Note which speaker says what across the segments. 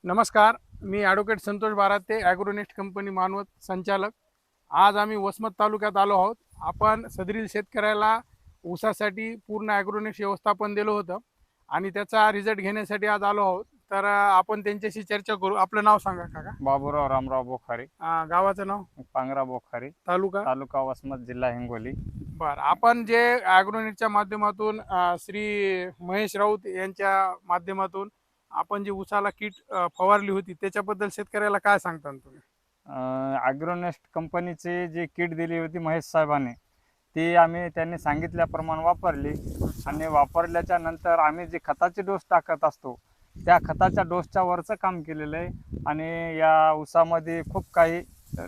Speaker 1: नमस्कार, मी advocate Santosh Barate, Agronest company Manwat संचालक. आज आम्ही वसमत तालुक्यात आलो आहोत. आपण सदरील शेतकऱ्याला ऊसासाठी पूर्ण ॲग्रोनेस्ट व्यवस्थापन दिलं होतं आणि त्याचा रिझल्ट घेण्यासाठी आज आलो आहोत. तर आपण त्यांच्याशी चर्चा करू. आपलं नाव सांगा काका.
Speaker 2: बाबूराव रामराव बोखारे,
Speaker 1: गावाचं नाव,
Speaker 2: पांगरा बोखारे,
Speaker 1: तालुका.
Speaker 2: तालुका वसमत, जिल्हा हिंगोली.
Speaker 1: बरं, आपण जे ॲग्रोनेटच्या माध्यमातून श्री महेश राऊत यांच्या माध्यमातून आपण जी ऊसाला किट फवारली होती त्याच्याबद्दल शेतकऱ्याला काय सांगता तुम्ही?
Speaker 2: ॲग्रोनेस्ट कंपनीची जी किट दिली होती महेश साहेबांनी, ती त्यांनी सांगितल्याप्रमाणे वापरली आणि वापरल्याच्या नंतर आम्ही जे खताचे डोस टाकत असतो त्या खताच्या डोसच्या वरचं काम केलेलं आहे. आणि या ऊसामध्ये खूप काही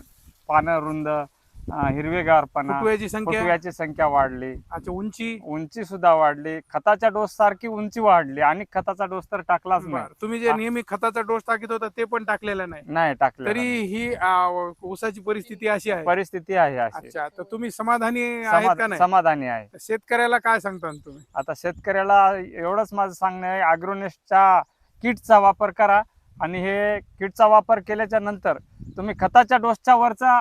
Speaker 2: पानं रुंद, हिरवेगारपणा,
Speaker 1: फुटव्याची
Speaker 2: संख्या वाढली.
Speaker 1: अच्छा,
Speaker 2: उंची सुद्धा वाढली. खताच्या डोस सारखी उंची वाढली आणि खताचा डोस तर टाकलाच नाही.
Speaker 1: तुम्ही जे नेहमी खताचा डोस टाकत होता ते पण टाकलेला नाही
Speaker 2: टाकलं
Speaker 1: तरी ही ऊसाची परिस्थिती अशी आहे.
Speaker 2: परिस्थिती आहे अशी.
Speaker 1: अच्छा, तर तुम्ही समाधानी आहेत का नाही?
Speaker 2: समाधानी आहे.
Speaker 1: शेतकऱ्याला काय सांगता तुम्ही?
Speaker 2: आता शेतकऱ्याला एवढंच माझं सांगणं आहे, ॲग्रोनेस्टच्या किटचा वापर करा आणि हे किटचा वापर केल्याच्या नंतर तुम्ही खताच्या डोसच्या वरचा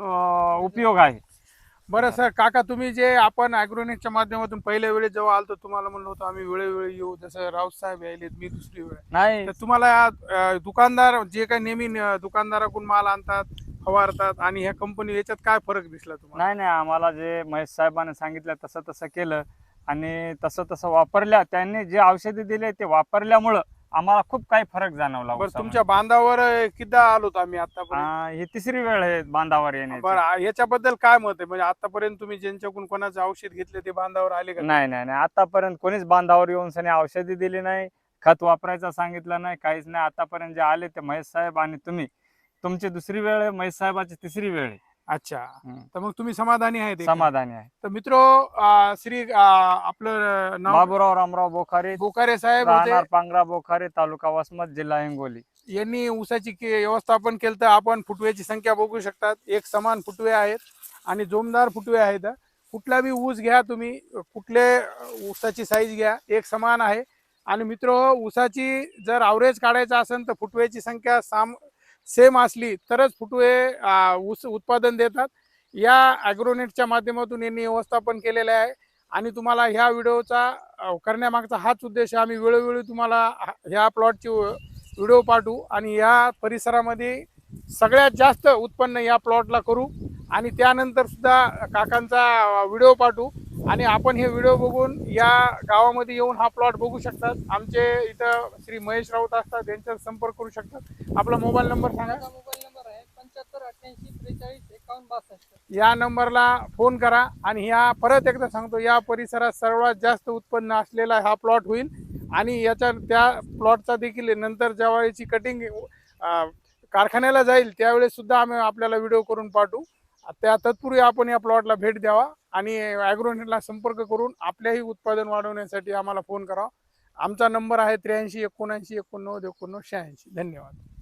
Speaker 2: उपयोग आहे.
Speaker 1: बरं सर, काका तुम्ही जे आपण ॲग्रोनेटच्या माध्यमातून पहिल्या वेळेस जेव्हा आलतो तुम्हाला म्हणलं होतं आम्ही वेळोवेळी येऊ, जसं राऊत साहेब यायलेत, मी दुसरी वेळ.
Speaker 2: नाही,
Speaker 1: तर तुम्हाला दुकानदार जे काही नेहमी दुकानदाराकडून माल आणतात, फवारतात आणि ह्या कंपनी याच्यात काय फरक दिसला तुम्हाला?
Speaker 2: नाही, आम्हाला जे महेश साहेबांनी सांगितलं तसं तसं केलं आणि तसं तसं वापरल्या. त्यांनी जे औषधी दिले ते वापरल्यामुळं आम्हाला खूप काही फरक जाणवला.
Speaker 1: बरं, तुमच्या बांधावर किती आलो आम्ही आतापर्यंत?
Speaker 2: ही तिसरी वेळ आहे बांधावर येण्याची.
Speaker 1: बरं, याच्याबद्दल काय मत आहे? म्हणजे आतापर्यंत तुम्ही ज्यांच्याकडून कोणाचं औषध घेतले ते बांधावर आले का?
Speaker 2: नाही, आतापर्यंत कोणीच बांधावर येऊन सनी औषधी दिली नाही, खत वापरायचं सांगितलं नाही, काहीच नाही. आतापर्यंत जे आले ते महेश साहेब आणि तुम्ही. तुमची दुसरी वेळ आहे, महेश साहेबाची तिसरी वेळ आहे.
Speaker 1: अच्छा, तर मग तुम्ही समाधानी आहेत?
Speaker 2: समाधानी आहे.
Speaker 1: तर मित्रो, श्री आपलं नाव
Speaker 2: बाबूराव रामराव बोखारे
Speaker 1: साहेब
Speaker 2: राहणार पांगरा बोखारे, तालुका वसमत, जिल्हा हिंगोली.
Speaker 1: यांनी ऊसाची व्यवस्थापन केलं. तर आपण फुटव्याची संख्या बघू शकतात. एक समान फुटवे आहेत आणि जोमदार फुटवे आहेत. कुठला बी ऊस घ्या तुम्ही, कुठले ऊसाची साईज घ्या, एक समान आहे. आणि मित्रो, ऊसाची जर ॲव्हरेज काढायचं असेल तर फुटव्याची संख्या सेम असली तरच फुटवे ऊस उत्पादन देतात. या ॲग्रोनेटच्या माध्यमातून यांनी व्यवस्थापन केलेलं आहे आणि तुम्हाला ह्या व्हिडिओचा करण्यामागचा हाच उद्देश. आम्ही वेळोवेळी तुम्हाला ह्या प्लॉटची व्हिडिओ पाठवू आणि या परिसरामध्ये सगळ्यात जास्त उत्पन्न या प्लॉटला करू आणि त्यानंतर सुद्धा काकांचा व्हिडिओ पाठवू आणि आपण हे व्हिडिओ बघून या गावामध्ये येऊन हा प्लॉट बघू शकतात. आमचे इथं श्री महेश राऊत असतात, त्यांच्यावर संपर्क करू शकतात. आपला मोबाईल नंबर सांगा.
Speaker 3: मोबाईल नंबर आहे 758843465162.
Speaker 1: या नंबरला फोन करा आणि ह्या परत एकदा सांगतो, या परिसरात सर्वात जास्त उत्पन्न असलेला हा प्लॉट होईल आणि त्या प्लॉटचा देखील नंतर जेव्हा याची कटिंग कारखान्याला जाईल त्यावेळेस सुद्धा आम्ही आपल्याला व्हिडिओ करून पाठवू. त्या तत्पूर्वी आपण या प्लॉटला भेट द्यावा आणि ॲग्रोनेटला संपर्क करून आपल्याही उत्पादन वाढवण्यासाठी आम्हाला फोन करा. आमचा नंबर आहे 83 79 89 89 86. धन्यवाद.